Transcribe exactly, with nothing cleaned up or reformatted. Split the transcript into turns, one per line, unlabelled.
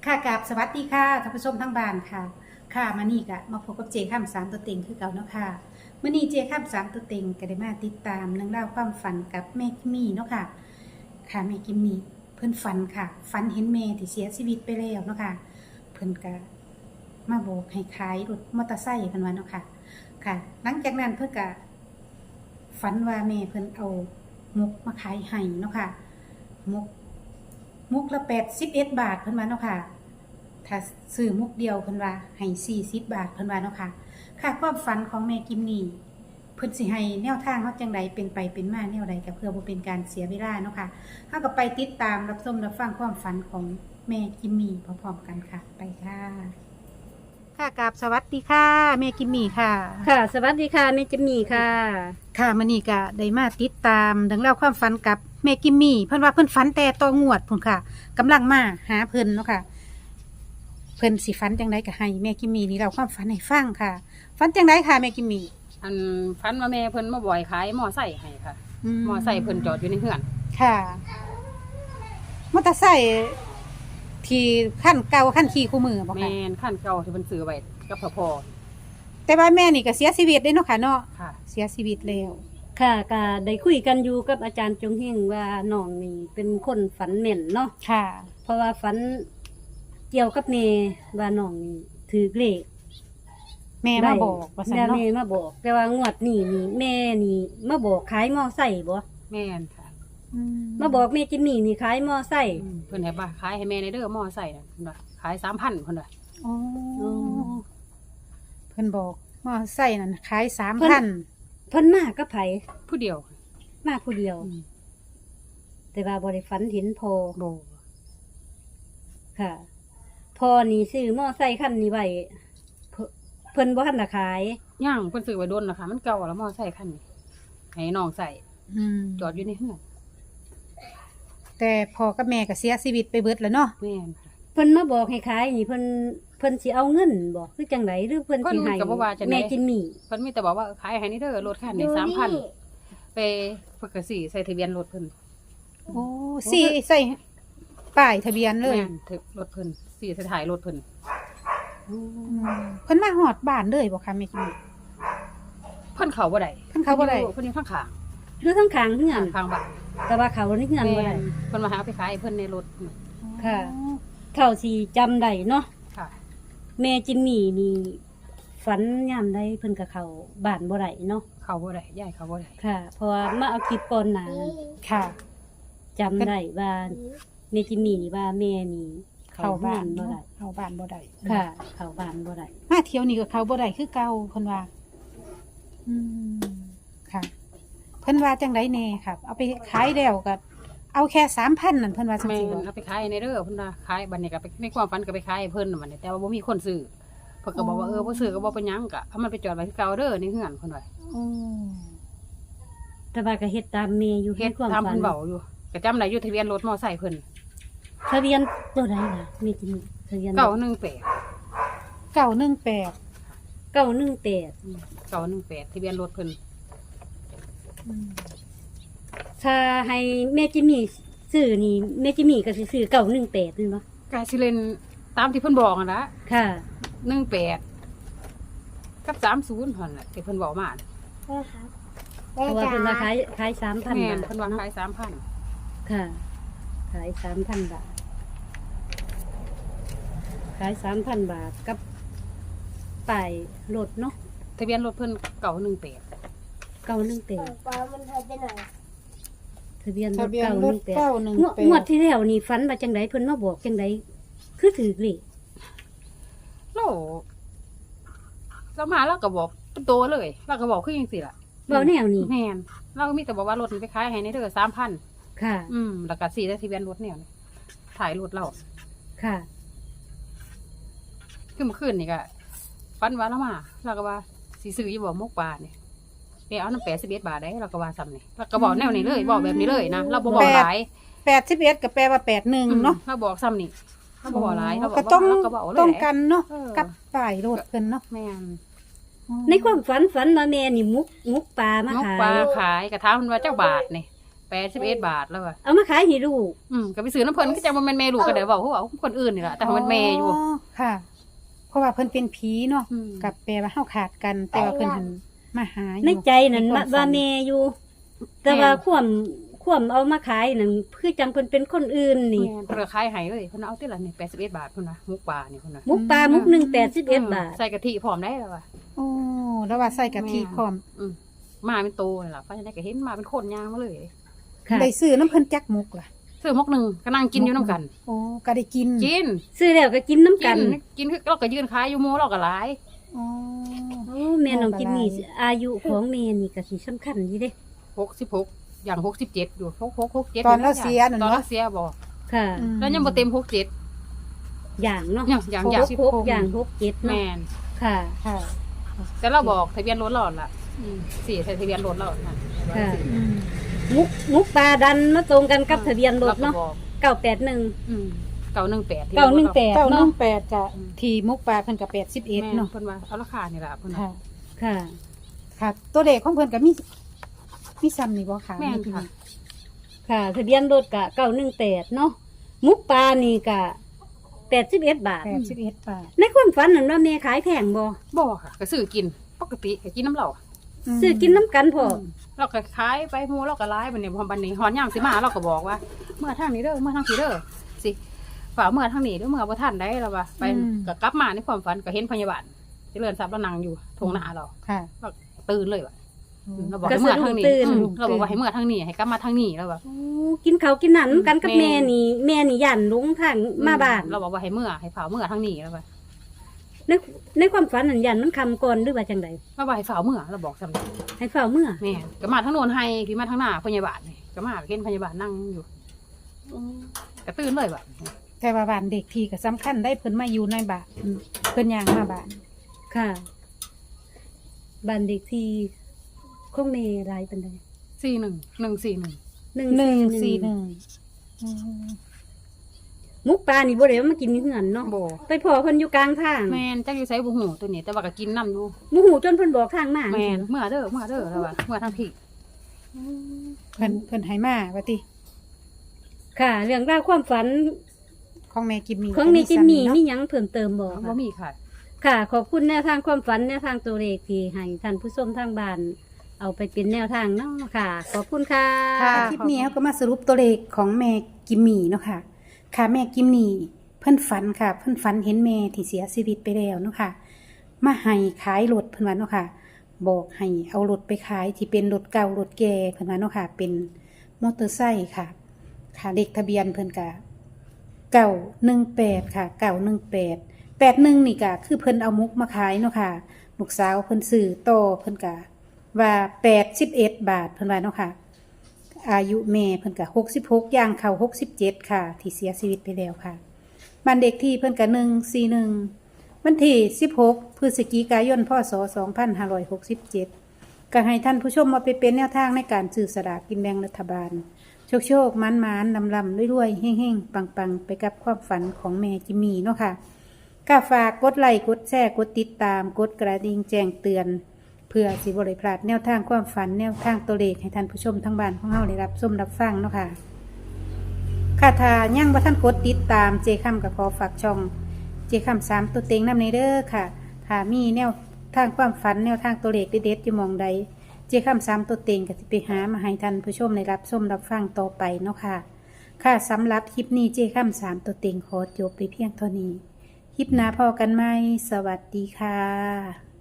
ค่ะกับสวัสดีค่ะท่านผู้ชมทั้งบ้านค่ะค่ะมานี่กะมาพบกับเจข้ามสามตัวเต็งคือเก่าเนาะค่ะเมื่อนี้เจข้ามสามตัวเต็งก็ได้มาติดตามเรื่องราวความฝันกับแม่กิมมี่เนาะค่ะค่ะแม่กิมมี่เพิ่นฝันค่ะฝันเห็นแม่ที่เสียชีวิตไปแล้วเนาะค่ะเพิ่นก็มาบอกให้ขายรถมอเตอร์ไซค์เพิ่นว่าเนาะค่ะค่ะ หลังจากนั้นเพิ่นก็ฝันว่าแม่เพิ่นเอามุกมาขายให้เนาะค่ะมุก มุกละแปดสิบเอ็ดบาทเพิ่นว่าเนาะค่ะถ้าซื้อมุกเดียวเพิ่นว่าให้สี่สิบบาทเพิ่นว่าเนาะค่ะค่ะความฝันของแม่กิมนี่เพิ่นสิให้แนวทางเฮาจังใดเป็นไปเป็นมาแนวใดก็เพื่อบ่เป็นการเสียเวลาเนาะค่ะเฮาก็ไปติดตามรับชมรับฟังความฝันของแม่กิมมี่พร้อมๆกันค่ะไปค่ะค่ะกราบสวัสดีค่ะแม่กิมมี่ค่ะ
ค่ะ สวัสดีค่ะแม่จิมมี่ค่ะ
ค่ะมื้อนี้ก็ได้มาติดตามเรื่องราวความฝันกับแม่กิมมี่เพิ่นว่าเพิ่นฝันแต่ต่องวดพุ่นค่ะกำลังมาหาเพิ่นเนาะค่ะเพิ่นสิฝันจังไดก็ให้แม่กิมมี่นี่เราความฝันให้ฟังค่ะฝันจังไดค่ะแม่กิมมี่
อันฟันว่าแม่เพิ่นมาบ่อยขายหม้อไส้ให้ค่ะหม้อไส้เพิ่นจอดอยู่ในเฮือน
ค่ะมอเตอร์ไซค์ที่ขั้นเก่าขั้นขี่คู่มือบ่
แม่
ค่ะ
นขั้นเก่าที่เพิ่นซื้อไว้กับพ่อพ่อ
แต่ว่าแม่นี่ก็เสียชีวิตได้เนาะค่ะเนาะ
ค่ะ
เสียชีวิตแล้ว
ค่ะก็ได้คุยกันอยู่กับอาจารย์จงเฮงว่าน้องนี่เป็นคนฝันแม่นเนาะ
ค่ะ
เพราะว่าฝันเกี่ยวกับเมว่าน้องนี่ถือเลข
แม่มาบอกว่าซั่น
แล้ว
เนาะ
แม่มาบอก แต่ว่างวดนี้นี่แม่นี่มาบอกขายมอไซค์บ่
แม่นค่ะ
อื
มาบอกแม่จิมมี่นี่ขายมอไซค์
อืมเพิ่นให้บ่าขายให้แม่ในเด้อหม้อไส้น่ะเพิ่นว่าขายสามพันเพิ่นว่า
อ๋อ
อ๋อ
เพิ่นบอกมอไซค์นั่นขายสามพัน
เพิ่นมากับไผ
ผู้เดียว
มาผู้เดียว
อืม
แต่ว่าบ่ได้ฝันเห็นพอ
บ่
ค่ะ พอนี่ซื้อมอไซค์คันนี้ไว้เพิ่นเพิ่นบ่ทันได้ขาย
ย่างเพิ่นซื้อไว้โดนแล้วค่ะมันเก่าแล้วหม้อไส้คันนี้ให้น้องใส่
อืม
จอดอยู่ในเฮือน
แต่พ่อกับแม่ก็เสียชีวิตไปเบิดแล้วเนาะ
แม่นค่ะ
เพิ่นมาบอกให้ขายนี่เพิ่นเพิ่นสิเอาเงินบอกคือจังไดหรือเพิ่นสิให้
เพิ่นก็บ่ว่าจังได๋
แม่จิมมี่
เพิ่นมีแต่บอกว่าขายให้ในเด้อรถคันนี้สามพันไปเพิ่นก็สิใส่ทะเบียนรถเพิ่น
โอ้สี่ใส่ป้ายทะเบียนเลย
แม่นถึกรถเพิ่นสิใส่ถ่ายรถเพิ่น
อืมเพิ่นมาหอดบ้านเลยบ่คะแม่กิมมี่
เพิ่นเข้าบ่ได้
เพิ่นเข้าบ่ได้
เพิ่นอยู่ข้างข้าง
หรือทั้งข้างเฮือน
ข้างบ้าน
แต่ว่าเขาในเฮือนบ่ได้
เพิ่นมาหาเอาไปขายให้เพิ่นในรถ
ค่ะ เท่าที่จำได้เนาะ
ค่ะ
แม่จิมมี่นี่ฝันยามใดเพิ่นก็เข้าบ้านบ่ได้เนาะ
เข้าบ่ได้ย้ายเข้าบ่ได้
ค่ะ เพราะว่ามาเอาคลิปก่อนหน้านั้น
ค่ะ
จำได้ว่าแม่จิมมี่นี่ว่าแม่นี่
เข้าบ้าน
บ่
บ่
ได้
ได้เข้าบ้านบ่ได้
ค่ะ เข้าบ้านบ่ได้
มาเที่ยวนี่ก็เข้าบ่ได้คือเก่าเพิ่นว่า อืมค่ะ เพิ่นว่าจังไดแน่ครับ เอาไปขายแล้วก็เอาแค่สามพันนั่นเพิ่นว่าจัง
แม่
ซี่บ่
นเอาไปขายในเด้อเพิ่นว่าขายบัดนี้ก็ไปในความฝันก็ไปขายให้เพิ่นน่ะบัดนี้แต่ว่าบ่มีคนซื้อเพิ่นก็บอกว่าเออบ่ซื้อก็บ่เป็นหยังก็เอามันไปจอดไว้คือเก่าเด้อในเฮือนเพิ่นว่า
อืม
แต่ว่าก็เฮ็ดตามแม่อยู่
เฮ็ด
ในความ
ตาม
ฝั
เพิ่
น
นเว้าอยู่ก็จำได้อยู่ทะเบียนรถมอไซค์เพิ่น
ทะเบียนตัวใดล่ะแม่จิมมี่ทะเบียน
เก้าหนึ่งแปด
เก้าหนึ่งแปด
เก้าหนึ่งแปด
เก้าหนึ่งแปดทะเบียนรถเพิ่น
อืม
ถ้าให้แม่จิมมี่ซื้อนี่แม่จิมมี่ก็สิซื้อเก้าหนึ่งแปดนี่บ่
ก็สิเล่นตามที่เพิ่นบอกนั่นล่ะ
ค่ะ
หนึ่งแปดกับสามสิบหั่นน่ะที่เพิ่นเว้ามาน่ะ
เพราะว่าเพิ่นว่าขายขายสามพัน
แม่
บาน ท
เพิ่นว่าขายสามพัน
ค่ะ ขายสามพันบาท ขายสามพันบาทกับป้ายรถเนาะ
ทะเบียนรถเพิ่นเก้าหนึ่งแปด
เก้าหนึ่งแปด
ป้ามันหายไปไหน
ทะเบียนร
ทะ
ถ
เบียน
เก้าร ห
ถ
นึ่งแปด
เก้าหนึ่ง
งวด
แป
งวด
ด
ที่แล้วนี่ฝันว่าจังไดเพิ่นมาบอกจังไดคือถือเลข
เราเรามาเราก็บอกเป็นโตเลยเราก็บอกคือจังซี่ล่ะ
เว้าแนวนี้
แม่นเราก็มีแต่บอกว่ารถมันไปขายให้ในเด้อสามพัน
ค่ะ
อืมแล้วก็สีได้ทะเบียนรถเนี่ยถ่ายรถเรา
ค่ะ
คือเมื่อคืนนี่ก็ฟันว่าเรามาเราก็ว่าสีซื้ออยู่บ่มกปลาเนี่ยไปเอาน้ำแปดสิบเอ็ดบาทได้เราก็ว่าซ้ำนี่เราก็บอกแนวนี้เลยบอกแบบนี้เลยนะเราบ่บอกหลาย
แปดสิบเอ็ดก็แปลว่าแปดหนึ่งเนาะ
เราบอกซ้ำนี่เราบ่บอกหลายเราบอก
ก็
ว่า
ต้อง
เราก็บอกเลย
ต้องกันเนาะ
เออ
กับป้ายรถเพิ่นเนาะ
แม่น
ในความฝันฝันว่าแม่นี่มุกมุกปลามา
มก
ขาย
ปลาขายกระทะมันว่าเจ้าบาทนี่แปดสิบเอ็ดบาทแล้วว่ะ
เอามาขายให้ลูก
อืมก็ไปซื้อน้ำเพิ่นก็จะบ่แม่นแม่ลูกก็ได้เว้าเขาเว้าคนอื่นนี่ล่ะแต่มันแม่อยู่
ค่ะ เพราะว่าเพิ่นเป็นผีเนาะ
อืม
กับแปลว่าเฮาขาดกัน แต่ว่าเพิ่นหันมาหาอยู่
ในใจนั่น
ใค
ว่าว
ม
ว่า
ฝัน
แม่อยู่ แต่ว่าความความเอามาขายนั่นคือจังเพิ่นเป็นคนอื่นนี่
แม่นเพิ่นก็ขายให้เลยเพิ่นเอาติละนี่แปดสิบเอ็ดบาทเพิ่นน่ะมุกปลานี่เพิ่นน่ะ
มุกปลามุกหนึ่งแปดสิบเอ็ดบาท
ใส่กะทิพร้อมได้แล้วว่ะ
โอ้แล้วว่าใส่กะทิพร้อม
อืมมาเป็นโตนี่ล่ะเพราะฉะนั้นก็เห็นมาเป็นคนย่างมาเลย
ค่ะ
ได้ซื้อน้ำเพิ่นจักมุกล่ะ
ซื้อมกหนึงก็นั่งกินอยู่นํกัน
โอ้ก็ได้กิน
กิน
ซื้อแล้วก็กินน้ำ
กิ
กัน
นกินคือเราก็ยืนขายอยู่หมู่เราก็หลาย
อ๋อ
โอ้แม่น้องกินนี่อายุของแม่นี่ก็สิสำคัญอยู่เด้
หกสิบหกอย่างหกสิบเจ็ดอยู่หก หก หก เจ็ด
ตอนเราเสียนั่น
ตอน
เนาะ
เราเสียบ่
ค่ะ
อืม
แล้วยังบ่เต็มหกเจ็ด
อย่างเนาะ
อย่างอย่าง
ห
อย่าง
กหกอย่างหกเจ็ดเนาะ
แม่น
ค่ะ
ค่ะ
แต่เราบอกทะเบียนรถเราล่ะอืมสี่ทะเบียนรถเราน่ะ
ค่ะ
อืม
มุกมุกปลาดันมาตรงกันกับทะเบียนรถเนาะ
ก็บอก
เก้าแปดหนึ่ง
อืมเก้าหนึ่งแปด
เก้าหนึ่งแปด
เก้าหนึ่
เนาะ
งแปดกะที่มุกปลาเพิ่นก็แปดสิบเอ็ด
แม่น
เนาะ
เพิ่นว่าเอาราคานี่ล่ะเพิ่น
ค่ะ
ค่ะ
ค่ะ ตัวเลขของเพิ่นก็มีมีซ้ำนี่บ่ค่ะ
แม่นค่ะ
ค่ะทะเบียนรถกะเก้าหนึ่งแปดเนาะมุกปลานี่กะแปดสิบเอ็ดบาท
แปดสิบเอ็ดบาท
ในความฝันนั่นว่าแม่ขายแพงบ่
บ่ค่ะก็ซื้อกินปกติก็กินน้ำเหล้า
ม
ซื้อกินน้ำกันพอ
เราก็ขายไปหมู่เราก็หลายบัดนี้พอบัดนี้ฮอนยามสิมาเราก็บอกว่า เมื่อทางนี้เด้อเมื่อทางนี้เด้อสิฝ่าเมื่อทางนี้เด้อเมื่อบ่ทันได้แล้วว่าไปก็กลับมาในความฝันก็เห็นพยาบาลเจริญทรัพย์เรานั่งอยู่ทงหน้าเรา
ค่ะ
เราตื่นเลยว่ะ
อืม
เราบอก
ก็
ให้
สะ
เมื่อ
ดุ้
ทาง งนี้
ตื่น
อืมเราบอกว่าให้เมื่อทางนี้ให้กลับมาทางนี้แล้วแบบ
โอ้กินข้าวกินหนันกันกับ
แม่
แม่นี่แม่นี่ยันลงทางมาบ้าน
เราบอกว่าให้เมื่อให้ฝ่าเมื่อทางนี้แล้วแบบ
ในในความฝันนั่นยันมันคำก่อนหรือว่าจังใด
เราบอกให้ฝ่าเมื่อเราบอกสำหรับ
ให้เฝ้าเมื่อ
แม่ก็มาทางโน้นให้ที่มาทางหน้าพยาบาลนี่ก็มาเห็นพยาบาลนั่งอยู่ก็ตื่นเลยแบบ
แต่ว่าบ้านเด็กทีก็สำคัญได้เพิ่นมาอยู่ในบ้านอืมเพิ่นย่างมาบ้าน
ค่ะบ้านเด็กที่คงเมรายเป็นได
สี่หนึ่งหนึ่งสี่หนึ่ง
หนึ่ง
หนึ่ง
สี่
สี่
ห
ห
นึ่
นึ่
ง
งอืม
มุกปลานี่บ่ได้เอามากินอยู่เหือนเนาะ
โบ
ไปพอเพิ่นอยู่กลางทาง
แมนจักอยู่ใส่บุหูตัวนี้แต่ว่าก็กินน้ำอยู่
บ่ฮู้จนเพิ่นบอกทางมา
แมนเมื่อเด้อเมื่อเด้อแล้วว่าเมื่อทางที่
เพิ่นเพิ่นให้มาว่าติ
ค่ะ เรื่องราวความฝัน
ของแม่กิมมี
ของนี่จิมมี่
เนาะ
มีหยังเพิ่มเติมบ่
บ่
คะ
มีค่ะ
ค่ะ ขอบคุณแนวทางความฝันแนวทางตัวเลขที่ให้ท่านผู้ชมทางบ้านเอาไปเป็นแนวทางเนาะค่ะ ขอบคุณค่ะ
ค่ะคลิปนี้เขาก็มาสรุปตัวเลขของแม่กิมมี่เนาะค่ะ ค่ะแม่กิมมี่เพิ่นฝันค่ะ เพิ่นฝันเห็นแม่ที่เสียชีวิตไปแล้วเนาะค่ะ มาให้ขายรถเพิ่นว่าเนาะค่ะ บอกให้เอารถไปขายที่เป็นรถเก่ารถแก่เพิ่นว่าเนาะค่ะ เป็นมอเตอร์ไซค์ค่ะ ค่ะเลขทะเบียนเพิ่นกะเก้าหนึ่งแปดค่ะเก้าหนึ่งแปดแปดหนึ่งนี่กะคือเพิ่นเอามุกมาขายเนาะค่ะลูกสาวเพิ่นซื้อต่อเพิ่นกะว่าแปดสิบเอ็ดบาทเพิ่นว่าเนาะค่ะ อายุแม่เพิ่นกะหกสิบหกย่างเข้าหกสิบเจ็ดค่ะ ที่เสียชีวิตไปแล้วค่ะบ้านเด็กที่เพิ่นกะหนึ่งสี่หนึ่งวันที่สิบหกพฤศจิกายนพศสองพันห้าร้อยหกสิบเจ็ดก็ให้ท่านผู้ชมมาไปเป็นแนวทางในการซื้อสลากกินแบ่งรัฐบาล โชคโชคมันมันลำลำรวยๆเฮ่งๆ ปังๆ ไปกับความฝันของแม่จิมมี่เนาะค่ะก็ฝากกดไลค์กดแชร์กดติดตามกดกระดิ่งแจ้งเตือน เพื่อสิบริพลาดแนวทางความฝันแนวทางตัวเลขให้ท่านผู้ชมทั้งบ้านของเฮาได้รับชมรับฟังเนาะค่ะค่ะถ้ายังบ่ท่านกดติดตามเจคำกับขอฝากช่องเจคำสามตัวเต็งนำในเด้อค่ะถ้ามีแนวทางความฝันแนวทางตัวเลขเด็ดๆอยู่หมองใด เจ้าคำซ้ำตัวเต็งก็จะไปหามาให้ท่านผู้ชมในรับชมรับฟังต่อไปเนาะค่ะ ค่ะสำหรับคลิปนี้เจ้าคำสามตัวเต็งขอจบไปเพียงเท่านี้ คลิปหน้าพอกันไหมสวัสดีค่ะ